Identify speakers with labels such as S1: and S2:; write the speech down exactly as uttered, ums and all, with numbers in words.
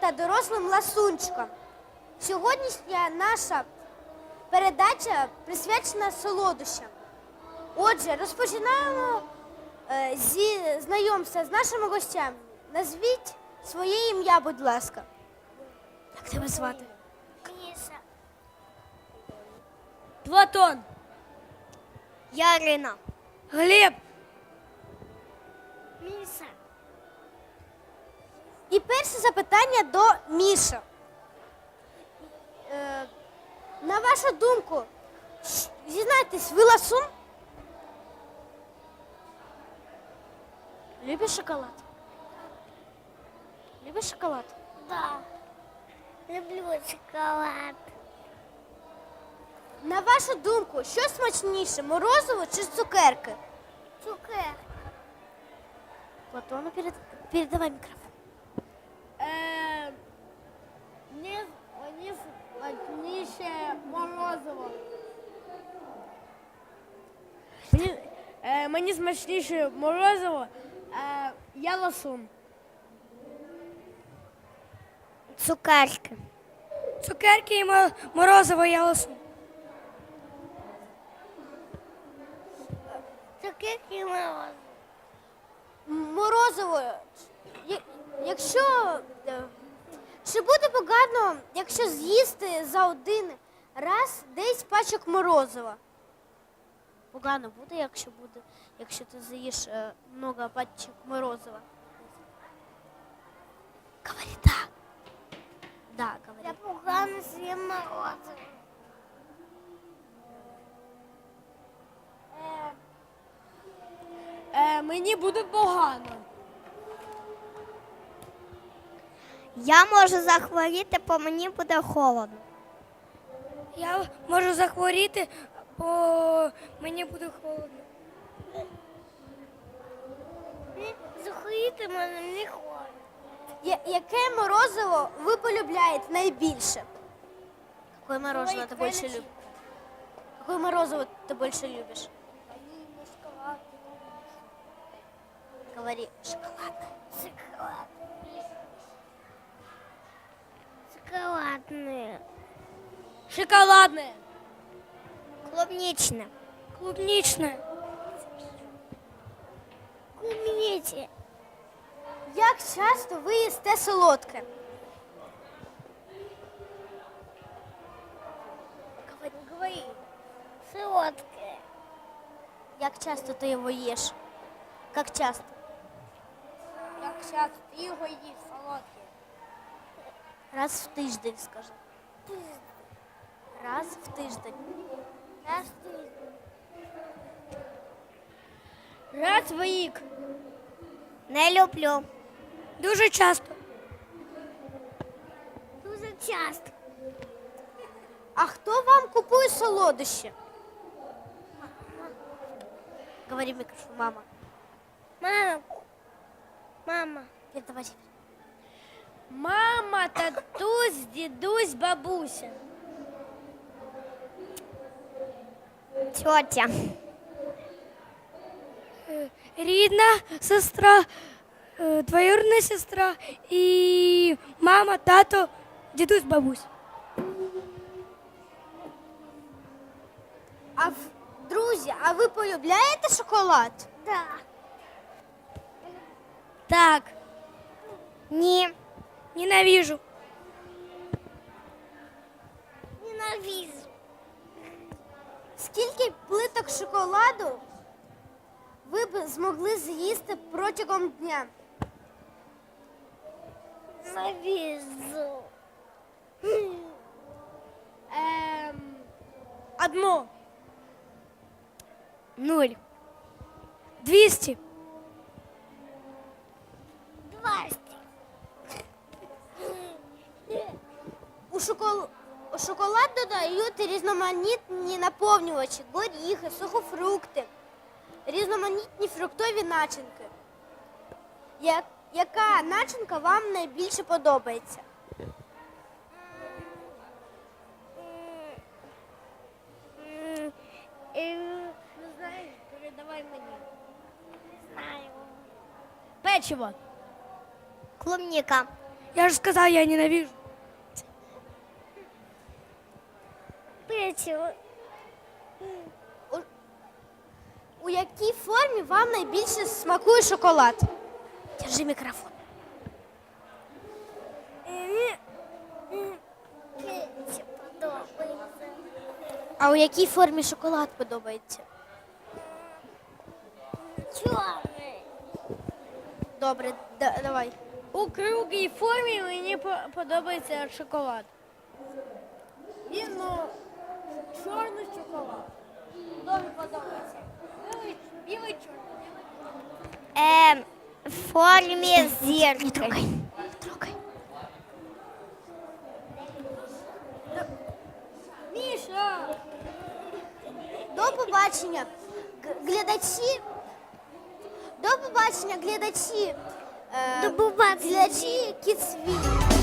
S1: та дорослим ласунчикам. Сьогоднішня наша передача присвячена солодощам. Отже, розпочинаємо е, зі знайомства з нашими гостями. Назвіть своє ім'я, будь ласка. Як тебе звати?
S2: Міша.
S3: Платон.
S2: Ярина.
S3: Глеб.
S2: Міша.
S1: І перше запитання до Міша. Е, на вашу думку, щ- зізнайтесь, ви ласун? Любиш шоколад? Любиш шоколад?
S2: Да. Люблю шоколад.
S1: На вашу думку, що смачніше, морозиво чи цукерки?
S2: Цукер.
S1: Платону перед... передавай мікрофон.
S3: Е, ні, ні смачніше морозиво. Мені, е, мені смачніше морозиво, е, я ласун.
S2: Цукерки.
S3: Цукерки і морозиво, я ласун.
S2: Цукерки і морозиво.
S1: Морозиво. Я- Якщо... е, Чи буде погано, якщо з'їсти за один раз десь пачок морозива? Погано буде, якщо буде, якщо ти з'їш е, много пачок морозива. Говори так. Да, говори.
S2: Я погано з'їм морозиво.
S3: Е, мені буде погано.
S2: Я можу захворіти, бо мені буде холодно.
S3: Я можу захворіти, бо мені буде холодно.
S2: Захворіти мене не холодно.
S1: Я- Яке морозиво ви полюбляєте найбільше? Какое мороженое ты больше любишь? Какое морозиво ты больше любишь? Говори, шоколадное.
S2: Шоколад. Шоколадне.
S3: Шоколадне,
S2: Клубничне.
S3: клубничне.
S2: Клубничне.
S1: Як часто ви їсте солодке? Говори, говори.
S2: Солодке.
S1: Як часто ти його їш? Як часто?
S3: Як часто ти його їш, солодке?
S1: Раз в тиждень, скажи. Раз в тиждень.
S2: Раз ти.
S3: Раз в рік.
S2: Не люблю.
S3: Дуже часто.
S2: Дуже часто.
S1: А хто вам купує солодощі? Говори в микрофон, мама.
S2: Мама. Мама.
S1: Передавай.
S3: Мама, татусь, дідусь, бабуся.
S2: Тетя.
S3: Рідна сестра, е, двоюрідна сестра і мама, тато, дідусь, бабусь.
S1: А в- друзі, а ви полюбляєте шоколад?
S2: Да.
S3: Так,
S2: Ні.
S3: ненавижу.
S2: Ненавижу.
S1: Скільки плиток шоколаду ви б змогли з'їсти протягом дня?
S2: Ненавижу.
S3: Ем, одно.
S2: Нуль.
S3: Двісті.
S2: Двадцять.
S1: У, шокол... у шоколад додають різноманітні наповнювачі, горіхи, сухофрукти, різноманітні фруктові начинки. Я... Яка начинка вам найбільше подобається?
S3: Не знаєш, передавай мені.
S2: Знаю.
S3: Печиво.
S2: Клубника.
S4: Я же сказал, я ненавижу.
S2: Печиво.
S1: У, у якій формі вам найбільше смакує шоколад? Держи мікрофон.
S2: Печиво подобається.
S1: А у якій формі шоколад подобається?
S2: Чорний.
S1: Добре, да- давай.
S4: У круглій формі мені подобається шоколад.
S3: Він, ну, чорний шоколад. Дуже подобається. Білий, білий чорний.
S2: Ем, в формі зірки.
S1: Трогай. Трогай.
S3: Міша!
S1: До побачення, г- глядачі. До побачення, глядачі. Е,
S2: До побачення.
S1: Глядачі Кіцвіль.